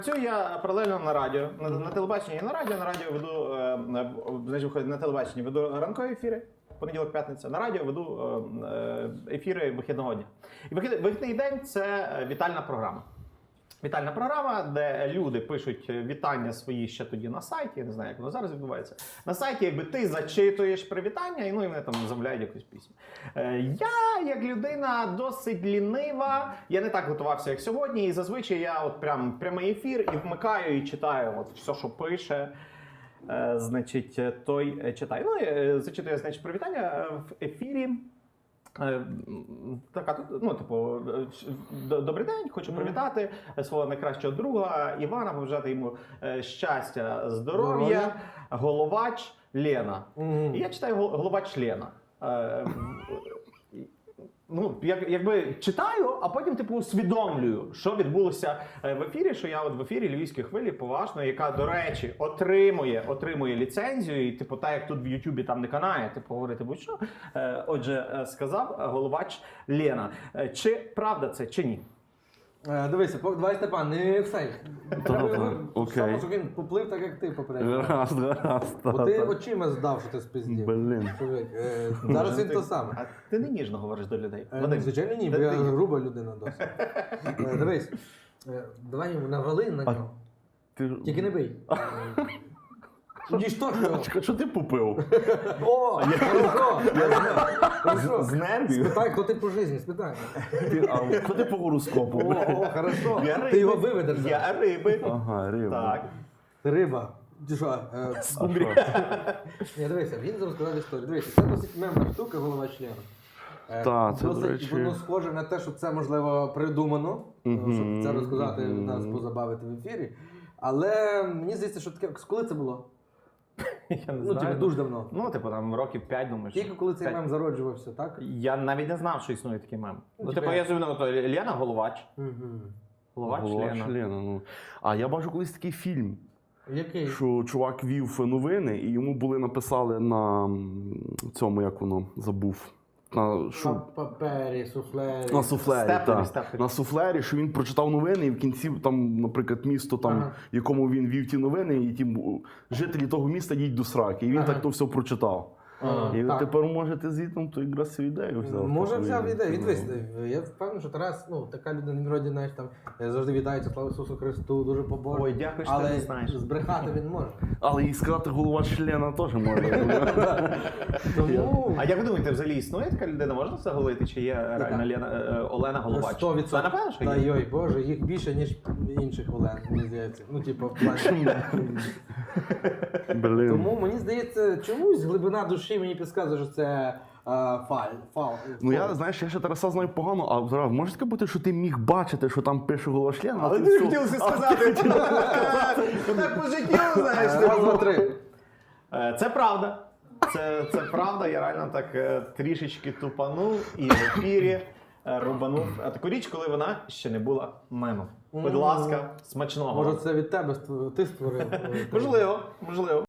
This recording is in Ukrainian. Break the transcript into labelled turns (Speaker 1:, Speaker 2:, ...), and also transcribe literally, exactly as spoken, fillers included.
Speaker 1: Працюю я паралельно на радіо, на, на телебаченні і на радіо. На радіо веду, е, значить, на телебаченні веду ранкові ефіри, понеділок, п'ятниця. На радіо веду е, ефіри вихідного дня. І вихід, вихідний день – це вітальна програма. Вітальна програма, де люди пишуть вітання свої ще тоді на сайті, я не знаю, як воно зараз відбувається. На сайті, якби ти зачитуєш привітання, і ну і вони там замовляють якусь пісню. Е, я, як людина досить лінива, я не так готувався, як сьогодні, і зазвичай я от прям прямий ефір і вмикаю і читаю от все, що пише. Е, значить, той читає. Ну, і зачитую, значить, привітання в ефірі. Така, ну, типу, добрий день, хочу привітати свого найкращого друга Івана, побажати йому щастя, здоров'я, головач Лена. Mm. І я читаю головач Лена. Ну, як, якби читаю, а потім типу усвідомлюю, що відбулося в ефірі, що я от в ефірі Львівської хвилі поважно, яка, до речі, отримує, отримує ліцензію, і типу, так як тут в Ютубі там не канає, типу, говорити будь-що. Отже, сказав головач Лена. Чи правда це, чи ні?
Speaker 2: Дивися, давай, Степан, не все.
Speaker 3: Окей.
Speaker 2: Щоб він поплив так, як ти попередньо.
Speaker 3: Раз, раз,
Speaker 2: Бо ти очима здав, що ти спиздів.
Speaker 3: Блін.
Speaker 2: Зараз він то саме.
Speaker 1: А ти не ніжно говориш до людей.
Speaker 2: Звичайно ні, бо я груба людина досить. Дивись, давай йому навали на нього. Тільки не бий. Ніж то, що?
Speaker 3: Що ти попив?
Speaker 2: О, хорошо.
Speaker 1: З нервів?
Speaker 2: Спитай, хто ти по житті, спитай.
Speaker 3: А хто ти по гороскопу?
Speaker 2: О, о, хорошо.
Speaker 1: Я
Speaker 2: Ти його виведеш.
Speaker 1: Я риби.
Speaker 3: Ага, риба.
Speaker 1: Так.
Speaker 2: Ти риба. Ти що? Ні, дивися, він зараз розказав історію. Дивися, це досить мемна штука, голова члена.
Speaker 3: Так, це, до речі.
Speaker 2: Воно схоже на те, що це, можливо, придумано, щоб це розказати, нас позабавити в ефірі. Але мені здається, що таке, коли це було?
Speaker 1: Я не
Speaker 2: Ну,
Speaker 1: знаю.
Speaker 2: типу, дуже давно.
Speaker 1: Ну, типу, там років п'ять, думаєш.
Speaker 2: Тільки коли цей мем зароджувався, так?
Speaker 1: Я навіть не знав, що існує такий мем. Ну,
Speaker 2: Ну,
Speaker 1: типу,
Speaker 2: типу,
Speaker 1: я собі ну, то Лена головач.
Speaker 2: Угу.
Speaker 1: Головач
Speaker 3: Голова
Speaker 1: Лена.
Speaker 3: члена, ну. А я бачу колись такий фільм,
Speaker 2: Який?
Speaker 3: що чувак вів новини, і йому були написали на цьому, як воно, забув. На, що?
Speaker 2: Папері, суфлері.
Speaker 3: На суфлері,
Speaker 1: Степлері,
Speaker 3: так.
Speaker 1: степлері.
Speaker 3: На суфлері, що він прочитав новини, і в кінці, там, наприклад, місто, там,
Speaker 2: Ага.
Speaker 3: в якому він вів ті новини, і ті жителі того міста їдуть до сраки. І він
Speaker 2: Ага.
Speaker 3: так то все прочитав.
Speaker 2: Ага,
Speaker 3: І
Speaker 2: так.
Speaker 3: тепер можете звідти то якраз цю ідею взяв.
Speaker 2: Може
Speaker 3: таку
Speaker 2: взяв ідею. Він
Speaker 3: ну.
Speaker 2: дивись, я впевнений, що Тарас, ну, така людина, він вроді, знаєш, там, завжди вітається, слава Ісусу Христу, дуже побожний.
Speaker 1: Ой, дякую, що ти
Speaker 2: але
Speaker 1: не знаєш.
Speaker 2: збрехати він може.
Speaker 3: Але і сказати голова члена теж може.
Speaker 2: Тому...
Speaker 1: А як ви думаєте, взагалі існує така людина? Можна це голити? Чи є реально Лена, е, Олена Головач?
Speaker 2: сто відсотків.
Speaker 1: Та напевно, що
Speaker 2: Та
Speaker 1: є.
Speaker 2: йой, боже, їх більше, ніж інших Олен, мені здається. Ну, типу, в плані.
Speaker 3: Блин.
Speaker 2: Тому мені здається, чомусь глибина душі мені підказує, що це а, фаль, фал.
Speaker 3: Ну я, знаєш, я ще Тараса знаю погано, а зараз може таке бути, що ти міг бачити, що там пише голова члена,
Speaker 1: Але
Speaker 3: ти
Speaker 1: ти
Speaker 3: все-
Speaker 1: хотів це сказати. Так по життю, знаєш.
Speaker 2: Раз, два, три.
Speaker 1: Е, Це правда. Це, це правда, я реально так е, трішечки тупанув і в ефірі е, рубанув е, таку річ, коли вона ще не була мемом. Будь ласка, смачного.
Speaker 2: Може, це від тебе створ- ти створив?
Speaker 1: Можливо, можливо.